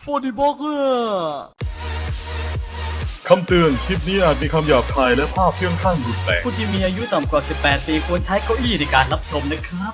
ฟูดิบอกเกอร์คำเตือน คลิปนี้อาจมีคำหยาบคายและภาพเพี้ยงข้างรุนแรงผู้ที่มีอายุต่ำกว่า 18 ปีควรใช้เก้าอี้ในการรับชมนะครับ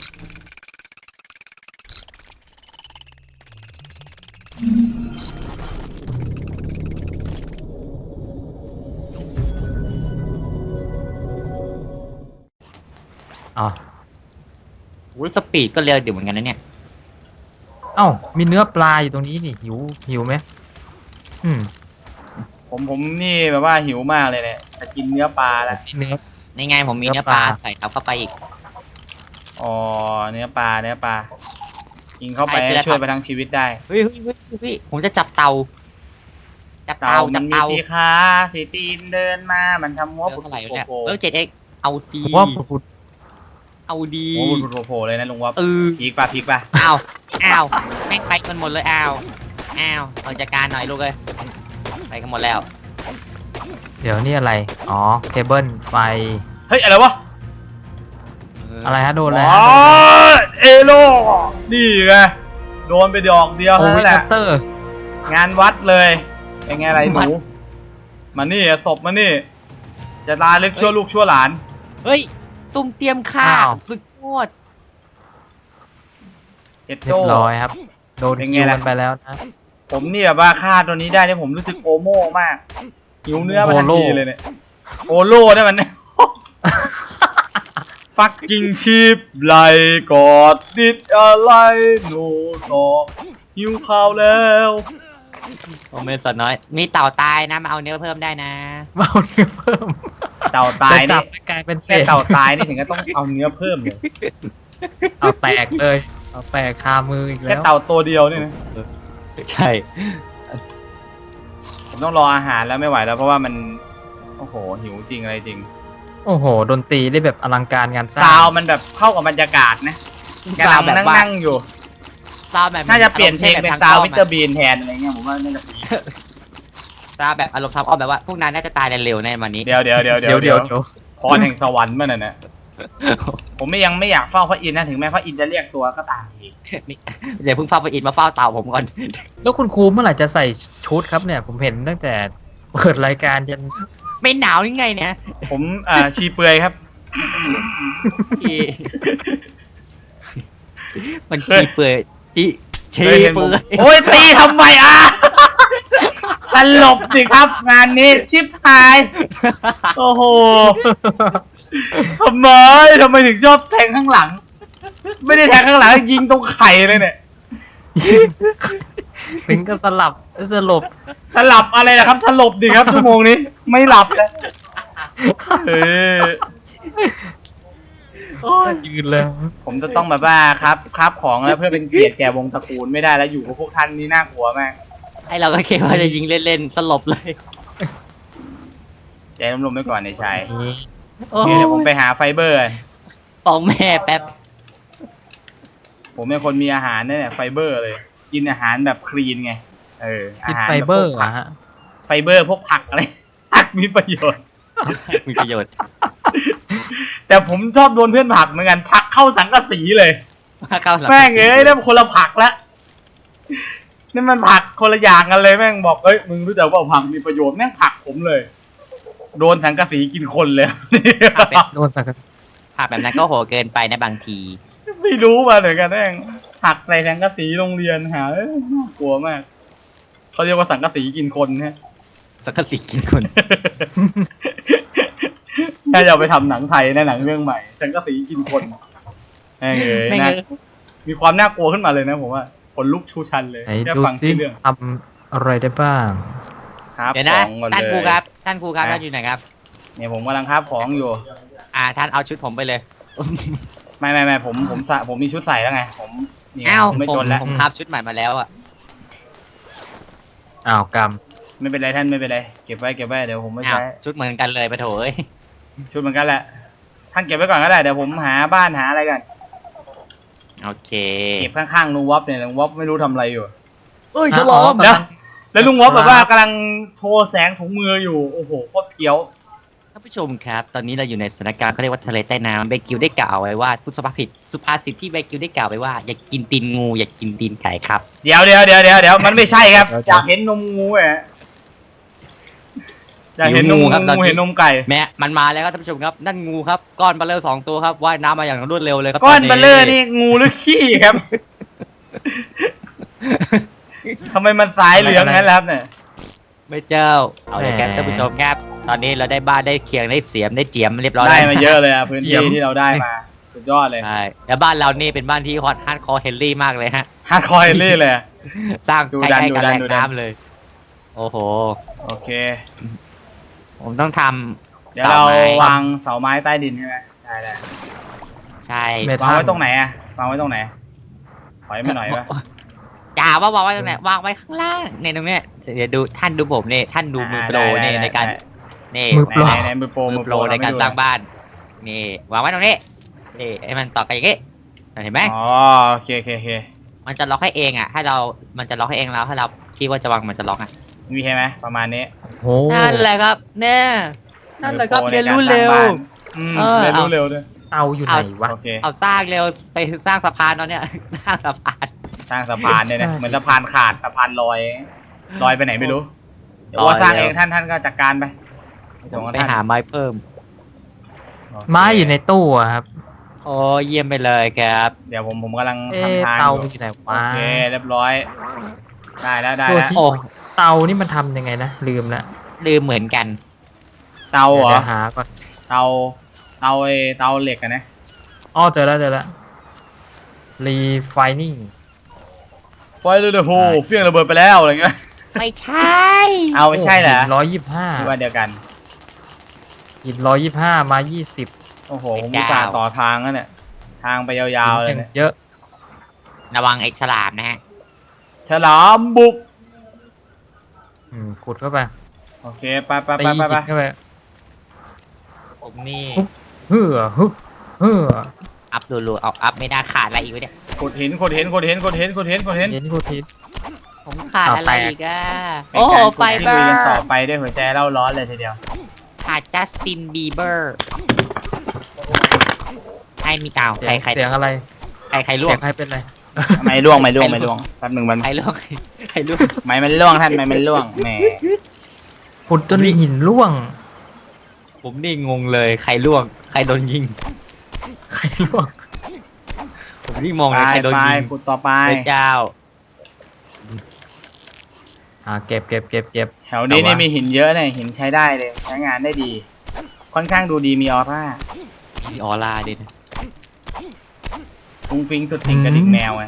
อ๋อวุ้ยสปีดก็เร็วอยู่เหมือนกันนะเนี่ยเอ้ามีเนื้อปลาอยู่ตรงนี้นี่หิวไหมอืมผมนี่แบบว่าหิวมากเลยเนี่ยจะกินเนื้อปลาแล้วเนื้อนี่ไงผมมีเนื้อปลาใส่เข้าไปอีกอ๋อเนื้อปลากินเข้าไปใช่จะได้ช่วยไปทั้งชีวิตได้เฮ้ยผมจะจับเตา จับเต่าเตามัจันบมีเตาสีขาสีตีนเดินมามันทำหัวเรื่ปุอดงอะไรวะเนี่ยโผล่ 7x เอาซีผมว่าผุดเอาดีหัวปุดโผล่เลยนะลุงวะเพีกป่ะอ้าวแม่งไปกันหมดเลยอ้าวเอาจัดการหน่อยลูกเลยไปกันหมดแล้วเดี๋ยวนี่อะไรอ๋อเคเบิลไฟเฮ้ยอะไรวะอะไรฮะโดนอะไรอ๋อฮะเอโลนี่ไงโดนไปดอกเดียวโอเท่าวินั้นแหละเตอร์งานวัดเลยเป็นไงอะไรหนูมานี่ศพมานี่จะลาลึกชั่วลูกชั่วหลานเฮ้ยตุ้มเตรียมฆ่าสุดยอดเอ็ดเรียโจ้บร้อยครับโดนเป็นไงคิวล่ะกันไปแล้วนะผมนี่แบบว่าฆ่าตัวนี้ได้เนี่ยผมรู้สึกโอโม่มากหิวเนื้อมาทันทีเลยเนี่ยโอโล่เนี่ยมัน ฟักกิ้งชีพไหลกอดดิดอะไรโนตอหิวข้าวแล้วผมเป็นสดน้อย มีเต่าตายนะมาเอาเนื้อเพิ่มได้นะมาเอาเนื้อเพิ่มเต่าตายจะจันี่บกลายเป็นศแค่ษเต่าตายนี่ถึงก็ต้องเอาเนื้อเพิ่มเลยเอาแตกเลยเอาแตกคามืออีกแค่แล้วเต่าตัวเดียวเนี่ยนะใช่ผมต้องรออาหารแล้วไม่ไหวแล้วเพราะว่ามันโอ้โหหิวจริงอะไรจริงโอ้โหดนตรีได้แบบอลังการงานสร้าซาวงมันแบบเข้ากับบรรยากาศนะกำลังนั่งอยู่ซาวแบบน่าจะเปลี่ยนเพลงเป็นซาววิเตอร์บีบีนแทนอะไรเงี้ยผมว่าน่าจะดีซาวแบบอารมณ์ทำอ้อมแบบว่าพวกนั้นน่าจะตายเร็วในวันนี้เดี๋ยวเดี๋ยวพรแห่งสวรรค์มันน่ะนะผมยังไม่อยากเฝ้าพระอินทร์นะถึงแม้พระอินทร์จะเรียกตัวก็ตามอีกเดี๋ยวเพิ่งเฝ้าไปอินมาเฝ้าเต่าผมก่อนแล้วคุณครูเมื่อไหร่จะใส่ชุดครับเนี่ย ผมเห็นตั้งแต่เปิดรายการยันไม่หนาวยังไงเนี่ยผมชีเปลือยครับมันชีเปื่อยจีชีเคยเห็นผมเปื่อยโอ้ยตีทำไมตลบสิครับ งานนี้ชิบหาย โอ้โหทำไมถึงชอบแทงข้างหลัง ไม่ได้แทงข้างหลังยิงตรงไข่เลยเนี่ยถึงก็สลับสลบสลับอะไรนะครับสลบดิครับชั่วโมงนี้ไม่หลับเลยเออยืนเลยผมจะต้องแบบว่าครับของแล้วเพื่อเป็นเกียรติแก่วงตระกูลไม่ได้แล้วอยู่กับพวกท่านนี่น่ากลัวมากไอเราก็คิดว่าจะยิงเล่นๆสลบเลยใจร่มๆไว้ก่อนในชายนี่โอ้เดี๋ยวผมไปหาไฟเบอร์ฟ้องแม่แป๊บผมเป็นคนมีอาหารเนี่ยไฟเบอร์เลย กินอาหารแบบคลีนไงอาคิดหารไฟแบบเบอพวร์กผัอะกฮะไฟเบอร์พวกผักอะไร ผักมีประโยชน์มีประโยชน์แต่ผมชอบโดนเพื่อนผลักเหมือนกันผลักเข้าสังกะสีเลยเข้าหลังแม่งเอ้ยนั่นคนละผักละนี่มันผักคนละอย่างกันเลยแม่งบอกเอ้ยมึงรู้จักว่าผักมีประโยชน์แม่งผลักผมเลย โดนสังกะสีกินคนเลยโดนสังกะสีภาพแบบนั้นก็โหเกินไปนะบางทีไม่รู้มาเหมือนกันแม่งผักใส่สังกะสีโรงเรียนหาน่ากลัวมากเขาเรียกว่าสังกะสีกินคนฮะสักกะสีกินคนน่าจะเอาไปทำหนังไทยในหนังเรื่องใหม่สังกะสีกินคนแม่งเอ้ยแม่งนะเอ้ยมีความน่ากลัวขึ้นมาเลยนะผมว่าขนลุกชูชันเลยไหนแค่ดูฟังซิชื่อเรื่องทำอะไรได้บ้างครับเดี๋ยวนะของก่อนท่านครูเลยครับท่านครูครับท่านอยู่ไหนครับเนี่ยผมกำลังคาบของอยู่ท่านเอาชุดผมไปเลยไม่ผมมีชุดใส่แล้วไงผมนี่อ้าวผมไม่ผมจนแล้วผมครับชุดใหม่มาแล้วอ่ะอ้าวกรรมไม่เป็นไรท่านไม่เป็นไรเก็บไว้เดี๋ยวผมไม่อ้าวใช้ชุดเหมือนกันเลยปะโถเอ้ยชุดเหมือนกันแหละท่านเก็บไว้ก่อนก็ได้เดี๋ยวผมหาบ้านหาอะไรกันโอเคเก็บข้างๆลุงวอฟเนี่ยลุงวอฟไม่รู้ทำอะไรอยู่เอ้ยฉลองเดี๋ยวแล้วลุงวอฟแบบว่ากำลังโชว์แสงถุงมืออยู่โอ้โหโคตรเกี้ยวท่านผู้ชมครับ ตอนนี้เราอยู่ในสถานการณ์เขาเรียกว่าทะเลใต้น้ำเบกิวได้กล่าวไว้ว่าพูดสุภาษิตที่เบกิวได้กล่าวไว้ว่าอย่ากินตีนงูอย่ากินตีนไก่ครับเดี๋ยวมันไม่ใช่ครับอยากเห็นนมงูอ่ะอยากเห็นนมหิวงูครับตอนงูนี้เห็นนมไก่แม่มันมาแล้วครับท่านผู้ชมครับนั่นงูครับก้อนเบลเลอร์2 ตัวครับว่ายน้ำมาอย่างรวดเร็วเลยครับก้อนตเบลเลอร์นี่งูหรือขี้ครับทำไมมันสายเหลืองงั้นล่ะครับเนี่ยไม่เจ้าเอาเลยครับท่านผู้ชมครับ ตอนนี้เราได้บ้านได้เคียงได้เสียมได้เจียมเรียบร้อยได้แล้วมาเยอะเลยอ่ะพื้นที่ที่เราได้มาสุดยอดเลยใช่แล้วบ้านเรานี่เป็นบ้านที่ฮอตฮาร์ดคอร์เฮนรี่มากเลยฮะฮาร์ดคอร์เฮนรี่เลยสร้างดูใกดันล้ๆกับดูดัแหนล่งดูดันน้ำเลย โอ้โหโอเคผมต้องทเดี๋ยวำเราเสาไม้วางเสาไม้ใต้ดินใช่ไหมได้ใช่เมวางไว้ตรงไหนอ่ะวางไว้ตรงไหนถอยมาหน่อยปะอย่าว่าวางไว้ตรงไหนวางไว้ข้างล่างเนี่ยตรงเนี้ยเดี๋ยวดูท่านดูผมนี่ท่านดูมือโปรนี่ในการนี่มือโปรไหนมือโปรมือโปรในการสร้างบ้านนี่วางไว้ตรงนี้นี่ให้มันต่อกันอย่างงี้เห็นไหมอ๋อโอเคโอเคโอเคมันจะล็อกให้เองอ่ะให้เรามันจะล็อกให้เองแล้วถ้าเราคิดว่าจะวางมันจะล็อกอ่ะมีใช่ไหมประมาณนี้โอ้นั่นแหละครับเนี่ยนั่นแหละครับเรียนรู้เร็วอืมเออเรียนรู้เร็วด้วยเตาอยู่ไหนวะโอเคเอาสร้างเร็วไปสร้างสะพานตอนเนี้ย สร้างสะพานสร้างสะพานเนี่ยนะใช่เหมือนสะพานขาดสะพานลอยไปไหนไม่รู้เดี๋ยวลอยว่าสร้างแล้วเองท่านก็จัดการไปเดี๋ยวไปท่านหาไม้เพิ่มโเคไม้อยู่ในตู้อะครับโอ้เยี่ยมไปเลยครับเดี๋ยวผมกำลังเอ๊ะทำทางเตาอยู่อยู่ไหนโอวะเคเรียบร้อย ได้แล้วได้ตัวแล้วที่โอ้เตานี่มันทำยังไงนะลืมละลืมเหมือนกันเตาเหรอเดี๋ยวหาก่อนเตาเตาเหล็กอะนะอ้อเจอแล้วrefining ไฟเลยเดอะโฮเฟี้ยงระเบิดไปแล้วอะไรเงี้ยไม่ใช่เอาไม่ใช่เหรอ 125 คิดว่าเดียวกันหิน125มา20 โอ้โหผมอุตส่าห์ต่อทางแล้วเนี่ยทางไปยาวๆเลยหินเนี่ยเยอะระวังไอ้ฉลามนะฮะฉลามบุกขุดเข้าไปโอเคไปตีหินเข้าไปผมนี่เฮือฮึเฮืออัพรัวๆเอาอัพไม่ได้ขาดอะไรอีกวะเนี่ยขุดหินขุดหินขุดหินขุดหินขุดหินขุดหินเห็นกูทิศผมขาดอะไรเอาแตกอีกอ่ะเป็นโอ้โหการขุดไฟที่เบอลุยร์กันต่อไปด้วยหัวใจเล่าร้อนเลยทีเดียวขาดจัสตินบีเบอร์ให้มีกล่าวใครใครเสียงอะไรใครล่วเสีงยงใครเป็นอะไรไม่ล่วงแป๊บหนึ่งมันใครล่วงใครล่วงไม่มันล่วงท่านไม่มันล่วงแหมขุดจนหินร่วงผมนี่งงเลยใครล่วงใครโดนยิงใครร่วงผมนี่มองไปเลยใครโดนไปยิงขุดต่อไปพระเจ้าเก็บแถวนี้แต่ว่านี่มีหินเยอะเนี่ยหินใช้ได้เลยใช้งานได้ดี ค่อนข้างดูดีมีออร่ามีออร่าด้วยนะฟุ้งฟิ้งสุดติ่งกระดิ่งแมวไง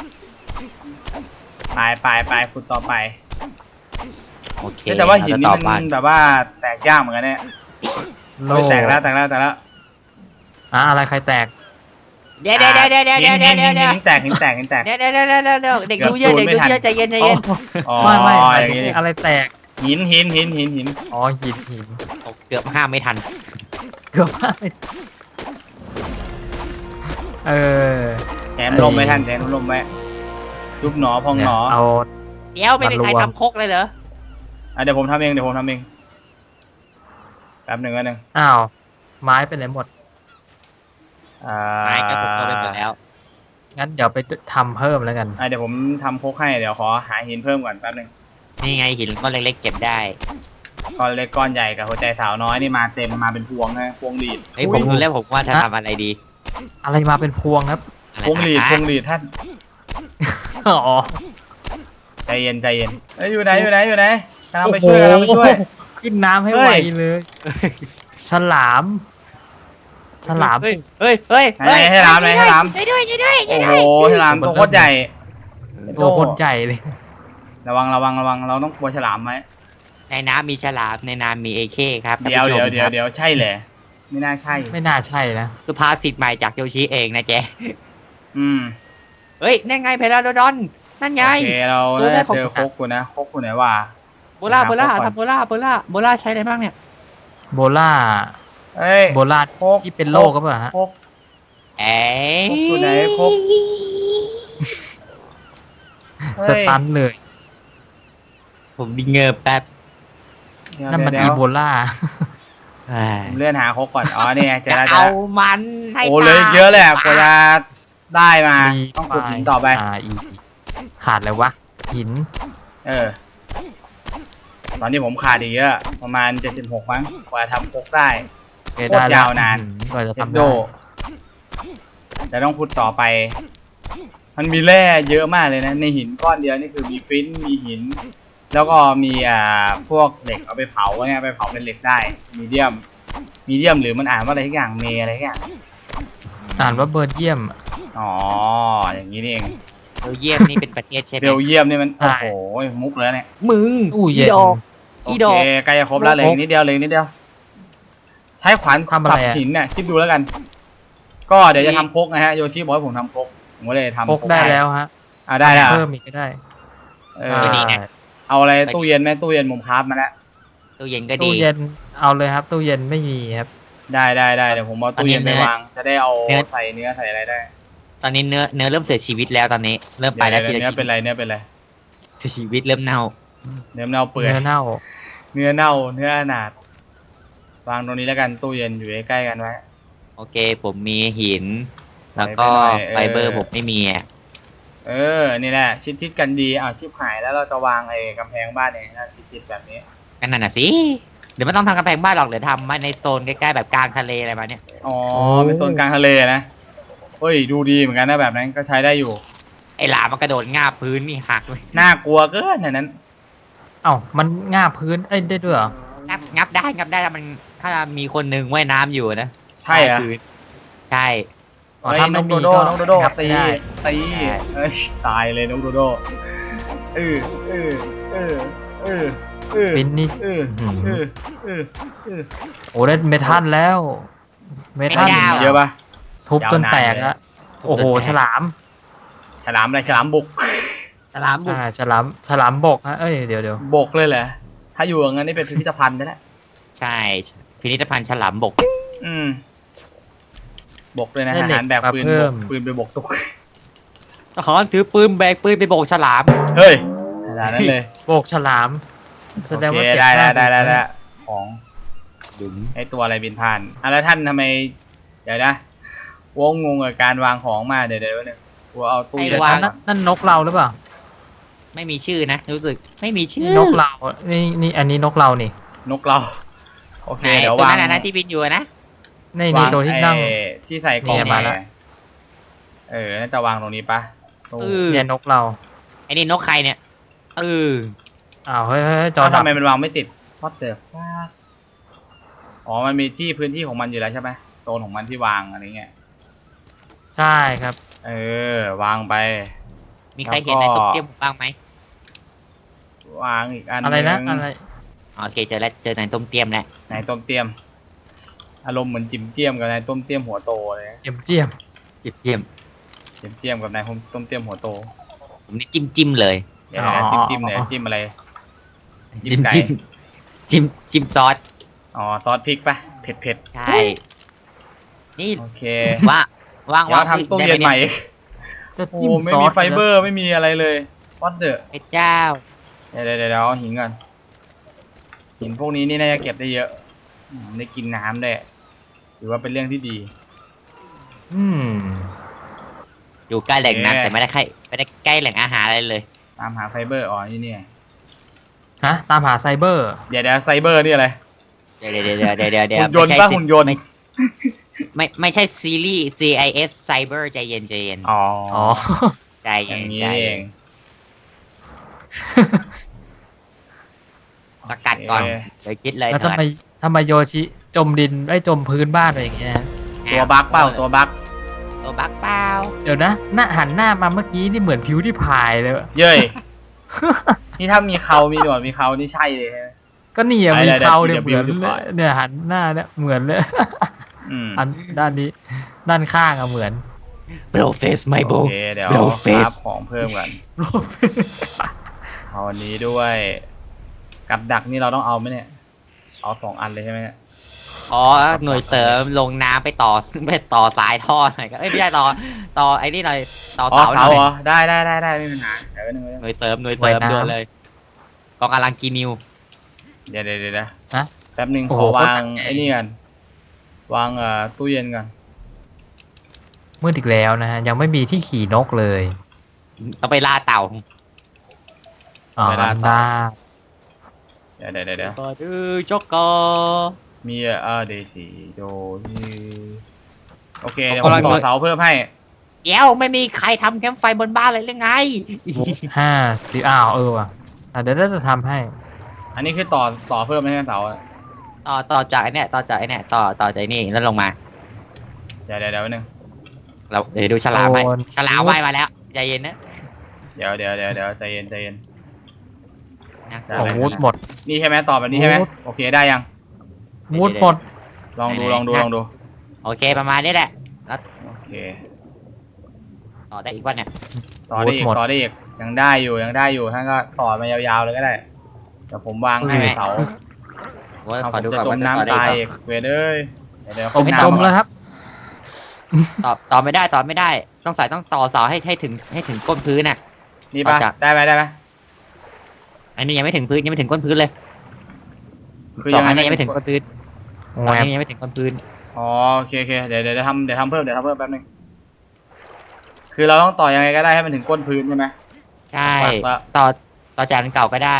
ไปขุดต่อไปโอเคแต่ว่าหินนี่เรจะต่อมับ้านแบบว่าแตกยากเหมือนกันเนี่ยโลเฮ้ยแตกแล้วอะไรใครแตกเดี๋ยวหินแตกเดี๋ยวเด็กดูเยอะเกือบเด็กดูไม่ทันเยอะใจเย็นอ๋อไม่อย่างนี้อะไรแตกหินอ๋อหินเกือบห้ามไม่ทันเกือบไม่เออแถมลมไหมท่านแถมลมไหมยุบหนอพองหนอเอาเดี๋ยวไม่มีใครทำคกเลยเหรอเดี๋ยวผมทำเองแป๊บหนึ่งอ้าวไม้เป็นไหนหมดไม้ก็ผมก็ไปหมดแล้วงั้นเดี๋ยวไปทำเพิ่มแล้วกันเดี๋ยวผมทำโคกให้เดี๋ยวขอหาหินเพิ่มก่อนแป๊บหนึ่งนี่ไงหินก้อนเล็กๆเก็บได้ก้อนเล็กก้อนใหญ่กับหัวใจสาวน้อยนี่มาเต็มมาเป็นพวงนะพวงหลีดเฮ้ยผมดูแล้วผมว่าจะทำอะไรดีอะไรมาเป็นพวงครับอะไรพวงหลีดท่านอ๋อใจเย็นอยู่ไหนกำลังไปช่วยขึ้นน้ำให้เฮ้ไวย เลย ฉลามเฮ้ยให้รามช่วยด้วยโอ้โหฉลามตัวโคตรใหญ่ตัวคนใหญ่เลยระวังเราต้องกลัวฉลามไหมในน้ำมีฉลามในน้ำมีเอเคครับเดี๋ยวใช่เหรอไม่น่าใช่ไม่น่าใช่นะสุภาษิตใหม่จากโยชิเองนะเจ๊อืมเฮ้ยนั่นไงเพลาโดดอนนั่นไงโอเคเราน่าจะเจอโคกกูนะโคกกูไหนวะโบล่าทำโบล่าใช้อะไรบ้างเนี่ยโบล่าเอ้ยโบล่าโคกที่เป็นโรคก็เปล่าฮะโคกเอ้ยคกอยู่ไหนคกสตันเลยผมดิเงือบแป๊บนั่นมันเดี๋อียวโบล่าผมเลื่อนหาครกก่อน อ๋อนี่ไงเจอจะแล้วเจอเอาแล้วมันให้โอ้เหลยเยอะเลยอะกว่าจะได้มารีต้องขุดหินต่อไปอีขาดอะไรวะหินตอนนี้ผมขาดอีกเยอะประมาณ76มั้งกว่าจะทำครกได้เอ้ยโคตรได้แล้วยาวนานกว่าจะเช็ดทำโดได้แต่ต้องขุดต่อไป มันมีแร่เยอะมากเลยนะ ในหินก้อนเดียวนี่คือมีฟินมีหิน แล้วก็มีพวกเหล็กเอาไปเผาเนี่ยไปเผาเป็นเหล็กได้มีเดียมหรือมันอ่านว่าอะไรทุกอย่างเมอะไรทุกอย่างอ่านว่าเบิร์ดเยี่ยมอ๋ออย่างนี้นี่เองเบลเยียมนี่เป็นประเทศใช่ไหมเบลเยียมนี่มันใช่โอ้โหมุกเลยเนี่ยมึงตู้เย็นดอกโออีดเคอกใกล้จะครบแล้วเหลยนิดเดียวเลยนิดเดียว ใช้ขวานทำอะไรสับอะหินเนี่ยคิดดูแล้วกัน ก็เดี๋ยวจะทำครกนะฮะโยชิบอกให้ผมทำครกผมก็เลยทำพกได้แล้วฮะได้แล้วเพิ่มอีกก็ได้เออได้เอาอะไรตู้เย็นไหมตู้เย็นผมคราฟมาแล้วตู้เย็นก็ดีตู้เย็นเอาเลยครับ ตู้เย็นไม่มีครับได้เดี๋ยวผมเอาตู้เย็นไปวางจะได้เอาใส่เนื้อใส่อะไรได้ตอนนี้เนื้อเริ่มเสียชีวิตแล้วตอนนี้เริ่มไปแล้วทีเดี๋ยวละเนื้อชีเป็นวิตไรเนื้อเป็นไรชีวิตเริ่มเน่าเนื้อเน่าเปื่อยเนื้อเน่าเนื้อเน่าเนื้ออนาถวางตรงนี้แล้วกันตู้เย็นอยู่ใกล้ๆกันไว้โอเค ผมมีหิน แล้วก็ไปหน่อยไฟเบอร์ผมไม่มีอ่ะนี่แหละชิดกันดีชิบหายแล้วเราจะวางไอ้กำแพงบ้านเองนะชิดแบบนี้กันนั่นน่ะสิเดี๋ยวไม่ต้องทำกำแพงบ้านหรอกเดี๋ยวทำมาในโซนใกล้ๆแบบกลางทะเลอะไรมาเนี่ยอ๋อเป็นโซนกลางทะเลนะเฮ้ยดูดีเหมือนกันนะแบบนั้นก็ใช้ได้อยู่ไอ้หลามมันกระโดดงาบพื้นนี่หักเลยน่ากลัวเกินอย่างนั้นเอ้ามันง่าบพื้นได้ด้วยเหรองับได้ถ้ามันถ้ามีคนหนึ่งว่ายน้ำอยู่นะใช่อะใต้พื้นใช่อ๋อเฮ้ยถ้าน้ไม่องโดมีโดก็น้องโดโดงับตีไม่ได้ตีเอ้ยตายเลยน้องโดโดเออเออเออเออเออปิ้นนี่เออเออเออเออโอ้ได้เมทัลแล้ว เมทัลเยอะปะทุบจนแตกยาวนานเลยอะโอ้โหฉลามฉลามอะไรฉลามบุกฉลามบุกฉลามบกฮะเอ้ยเดี๋ยวบกเลยเหรอถ้าอยู่อย่างนั้นนี่เป็นพิพิธภัณฑ์ได้แล้วใช่พิพิธภัณฑ์ฉลามบกอืมบกเลยนะอาหารแบบปืนบกปืนไปบกตุกทหารถือปืนแบกปืนไปโบกฉลามเฮ้ยขนาดนั้นเลยโบกฉลาม แสดงว่าโอเคเก็บได้มากได้ของดุมไอตัวอะไรบินผ่านแล้วท่านทำไม เดี๋ยวนะวงงงกับการวางของมาเดี๋ยวนึงกูเอาตู้เดี๋ยวนั่นนกเราหรือเปล่าไม่มีชื่อนะรู้สึกไม่มีชื่อนกเรานี่อันนี้นกเรานี่นกเราโอเคไหนเดี๋ยวตัววางนั้นนะที่บินอยู่นะนี่ตัวที่นั่งไอ้ที่ใส่กล่องเนี่ยมาแล้วน่าจะวางตรงนี้ปะตู้เนี่ยนกเราไอ้นี่นกใครเนี่ยอเออ้าวเฮ้ยจอแล้วดับทำไมมันวางไม่ติดพอดเตอร์อ๋อมันมีที่พื้นที่ของมันอยู่แล้วใช่ไหมโซนของมันที่วางอะไรเงี้ยใช่ครับวางไปมีใครเห็นในตุ๊กเตี้ยมบ้างไหมวางอีกอันอะไรนะหงอะไรโอเคเจอแล้วเจอในต้มเตี้ยมแล้วนายต้มเตี้ยม อารมณ์เหมือนจิ๋มเจี้ยมกับนายต้มเตี้ยมหัวโตเลยเจียมเจียมเตี้ยมจิ๋มเจี้ยมกับนายต้มเตี้ยมหัวโตผมนี่จิ้มเลยเดี๋ยวนะจิ้มเนี่ยจิ้มอะไร จิ้จิ้มมไก่จิ้มซอสอ๋อซอสพริกปะเผ็ดใช่นี่โอเคว่างเดี๋ยวทำตู้เย็นใหม่จะโอ้จิ้มไม่ซอมีสไฟเบอร์ไม่มีอะไรเลยวัดเดอพระเจ้าเดี๋ยวเอาหินก่อนหินพวกนี้นี่น่าจะเก็บได้เยอะได้กินน้ำได้ถือว่าเป็นเรื่องที่ดีอืมอยู่ใกล้แหล่งโอเคน้ำแต่ไม่ได้ใกล้แหล่งอาหารอะไรเลยตามหาไฟเบอร์นี่ฮะตามหาไซเบอร์เดี๋ยวไซเบอร์นี่อะไรเดี๋ยวหุ่นยนต์ปะหุ่นยนต์ไม่ใช่ซีรีส์ CIS Cyber ใจเย็นอ๋อใจอเย็ย่าน งนี้ใจเอเย็งนสกัดก่อนโอเคเดี๋ยวคิดเลยแล้วเถิดทำไมโยชิจมดินจมพื้นบ้านอะไรอย่างเงี้ยตัวบั๊กเปล่าตัวบั๊กตัวบั๊กเปล่าเดี๋ยวนะหน้าหันหน้ามาเมื่อกี้นี่เหมือนผิวที่พายเลยเย้ย นี่ถ้ามีเขามีหนวดมีเขานี่ใช่เลยใช่ไหมก็นี่อะมีเขาเนี่ยเหมือนเดี๋ยวเลยเนี่ยหันหน้าเนี่ยเหมือนเลยอืมอันด้านนี้ด้านข้างอะเหมือนโบรเฟสไม่โบโอเคเดี๋ยว Blow ค face รับของเพิ่มกันเอาอันนี้ด้วย กับดักนี่เราต้องเอาไหมเนี่ย เอา2 อันเลยใช่ไหมเนี่ยอ๋อหน่วยเสริมลงน้ำไปต่อสายท่อหน่อยก็ไม่ใช่ต่อไอ้นี่หน่อยต่ออ๋อเสาหน่เขาอยเหรอได้ไม่มีปัญหาเดี๋ยวนึงหน่วยเสริมว่ายน้ำด่วนเลยกองกำลังกีนิวเดี๋ยวแป๊บหนึ่งโอ้ขโหอวางโคตรใหญ่ไอ้นี่กันวางตู้เย็นกันมืดอีกแล้วนะฮะ ยังไม่มีที่ขี่นกเลยต้องไปล่าเต่าอ๋อเวลาต่อได้เดี๋ยวก็ดื้อจ็อกกอมีเดซีโดที่โอเคเดี๋ยวผมต่อเสาเพิ่มให้เดี๋ยวไม่มีใครทำแคมป์ไฟบนบ้านเลยหรือไง 50อ้าวว่ะเดี๋ยวจะทำให้อันนี้คือต่อเพิ่มให้เสาอะต่อจากไอ้เนี่ยต่อจากไอ้เนี่ยต่อจากไอ้นี่แล้วลงมาเดี๋ยวนึงเราเดี๋ยวดูฉลามไปโซนฉลามว่ายมาแล้วใจเย็นนะเดี๋ยวใจเย็นน่ากลัได้วของเลยวูดหมดนี่ใช่ไหมต่อแบบนี้ใช่ไหมวูดโอเคได้ยังวูดหมดลองดูโอเคประมาณนี้แหละโอเคต่อได้อีกวันเนี่ยต่อได้อีกหมดยังได้อยู่ท่านก็ต่อมายาวๆเลยก็ได้เดี๋ยวผมวางให้เสาโอ้ยเอาขอผมดูจะก่อนจว่าม จะต่อน้ำได้ตายอีอีกกเวรเอ้ยเดี๋ยวผมขึ้นจมน้ำแล้วครับต่อไม่ได้ต้องต่อเสาให้ถึงก้นพื้นน่ะนี่ป่ะเอาจากได้ไหมอันนี้ยังไม่ถึงพื้นยังไม่ถึงก้นพื้นเลยคือสองยังไงอันนี้ยังไม่ถึงก้นพื้นสองแหวอันบนี้ยังไม่ถึงก้นพื้นอ๋อโอเคเดี๋ยวทำเพิ่มแป๊บนึงคือเราต้องต่อยังไงก็ได้ให้มันถึงก้นพื้นใช่ไหมใช่ปักละต่อจากอันเก่าก็ได้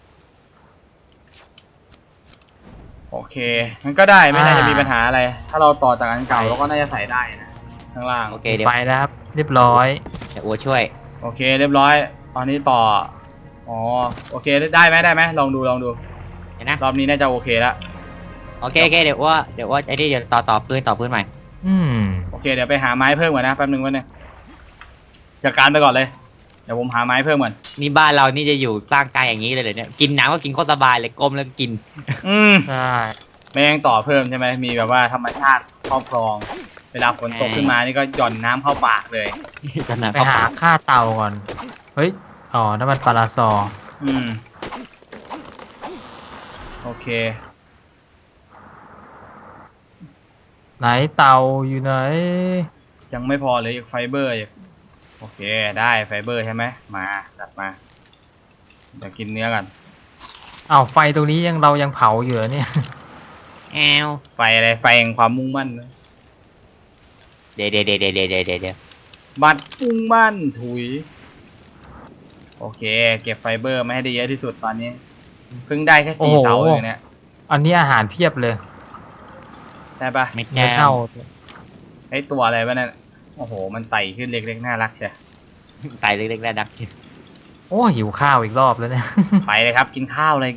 โอเคมันก็ได้ไม่น่าจะมีปัญหาอะไร ถ้าเราต่อจากอันเก่าเราก็น่าจะใส่ได้นะข้างล่างโอเคเดี๋ยวไปนะครับ เรียบร้อยเดี๋ยวอัวช่วยโอเคเรียบร้อยตอนนี้ต่ออ๋อโอเคได้ไหมลองดูเห็นนะรอบนี้น่าจะโอเคแล้วโอเคเดี๋ยวว่าไอ้นี่เดี๋ยวต่อพื้นใหม่อืมโอเคเดี๋ยวไปหาไม้เพิ่มก่อนนะแป๊บนึงจัดการไปก่อนเลยเดี๋ยวผมหาไม้เพิ่มก่อนนี่บ้านเรานี่จะอยู่สร้างกายอย่างนี้เลยเหรอเนี่ยกินน้ำก็กินโคตรสบายเลยก้มแล้วกินใช่ไม่ยังต่อเพิ่มใช่ไหมมีแบบว่าธรรมชาติครอบครอง เวลาฝนตกขึ้นมานี่ก็หย่อนน้ำเข้าปากเลยขนาดไปหาค่าเตาก่อน เฮ้ย อ๋อน้ำมันปลาซอโอเคไหนเตาอยู่ไหนยังไม่พอเลยอีกไฟเบอร์อีกโอเคได้ไฟเบอร์ใช่ไหมมาจัดมาเดี๋ยวกินเนื้อกันอ้าวไฟตรงนี้เรายังเผาอยู่เหรอเนี่ยแอวไฟอะไรไฟแห่งความมุ่งมั่นนะเดี๋ยวบัดมุ่งมั่นถุยโอเค เก็บไฟเบอร์มาให้ได้เยอะที่สุดตอนนี้เพิ่งได้แค่โอ้สี่โหเสาเองเนี่ยอันนี้อาหารเพียบเลยใช่ปะไม่เนื้แก้อเน่าไอตัวอะไรวะนั่นโอ้โหมันไต่ขึ้นเล็กๆน่ารักเชียตายเล็กๆแล้วดักโอ้หิวข้าวอีกรอบแล้วเนี่ยไปเลยครับกินข้าวเลย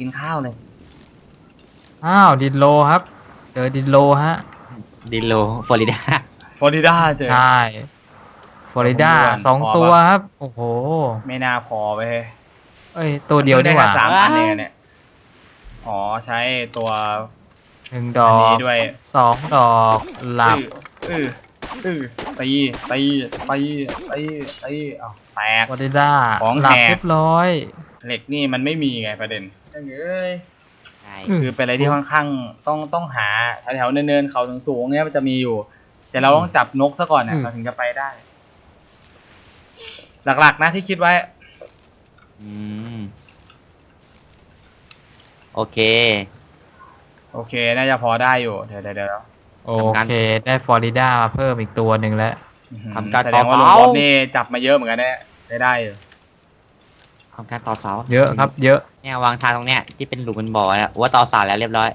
อ้าวดินโลครับเจอดินโลฮะดิโลฟลอริดาฟลอริดาเจอใช่ฟลอริดาผมดูก่อนพอปะ 2 ตัวครับ โอ้โหไม่น่าพอไปเฮ้ยเอ้ย ตัวเดียวนี่หว่าได้แค่3 อันเองเนี่ยอ๋อใช้ตัว 1 ดอัอนนี้กด้วย 2 ดอกหลับตีเอาแตกฟลอริดาของหลับแหกเรียบร้อยเหล็กนี่มันไม่มีไงประเด็นเอ้ยใช่คือเป็นอะไรที่ค่อนข้างต้องหาแถวๆเนินๆเขาสูงๆเนี่ยมันจะมีอยู่ แต่เราต้องจับนกซะก่อนเนี่ยเราถึงจะไปได้ หลักๆนะที่คิดไว้อืมโอเคโอเค น่าจะพอได้อยู่ เดี๋ยวโอเค ได้ฟลอริดามาเพิ่มอีกตัวหนึ่งแล้วทำการแสดงว่าต่ลุอง เสาบ๊อบนี่จับมาเยอะเหมือนกันเนี่ยใช้ได้อยู่ทำการต่อเสาเยอะครับ เยอะเนี่ยวางทางตรงเนี้ยที่เป็นหลุมเป็นบ่อแล้วว่าต่อเสาแล้วเรียบร้อย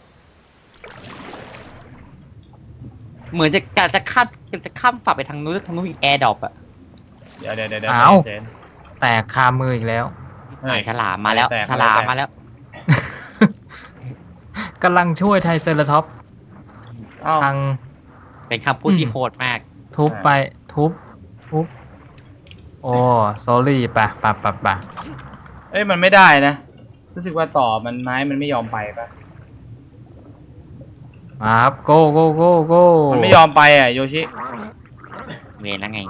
เหมือนจะข้ามฝั่งไปทางนู้นมีแอร์ดรอปอะเดี๋ยวอ้าวเจนแตกคามืออีกแล้วเฮ้ยฉลามมาแล้วแตกฉลามมาแล้วกำลังช่วยไทเซอร์ท็อปส์อ้าวทางเป็นคำพูดที่โหดมากทุบไปทุบ โอ้สอรี่ปะเอ้ยมันไม่ได้นะ รู้สึกว่าต่อมันไม้มันไม่ยอมไปปะมาครับโกโกมันไม่ยอมไปอ่ะโยชิเวรแล้วไง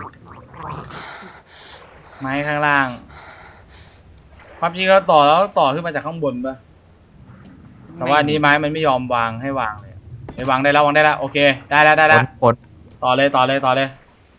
ไม้ข้างล่าง ความจริงแล้วต่อขึ้นมาจากข้างบนปะแต่ว่าอันนี้ไม้มันไม่ยอมวางให้วางเลยไปวางได้แล้วโอเค ได้แล้วปลดต่อเลย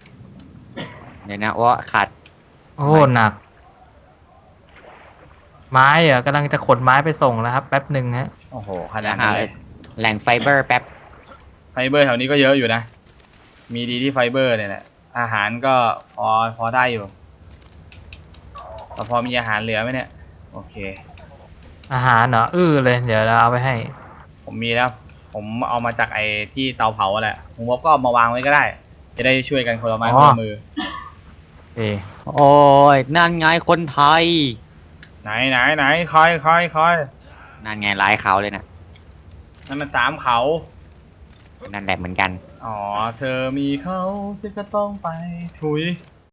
เดี๋ยวนะว่าขาดโอ้หนักไม้เหรอกำลังจะขนไม้ไปส่งแล้วครับแป๊บหนึ่งฮะโอ้โหขนาดนั้นเลยแหล่งไฟเบอร์แป๊บไฟเบอร์แถวนี้ก็เยอะอยู่นะ มีดีที่ไฟเบอร์เนี่ยแหละอาหารก็พอได้อยู่แต่พอมีอาหารเหลือไหมเนี่ยโอเคอาหารเหรอเลยเดี๋ยวเราเอาไปให้ผมมีแล้ว ผมเอามาจากไอ้ที่เตาเผาแหละผมบอกก็เอามาวางไว้ก็ได้ จะได้ช่วยกันคนละไม้คนละมือเอ๊ะโอ้ยนั่นไงคนไทยไหนคอยนั่นไงลายเขาเลยนะนั่นมันสามเขานั่นแหละเหมือนกันอ๋อ เธอมีเขาเธอก็ต้องไปถุย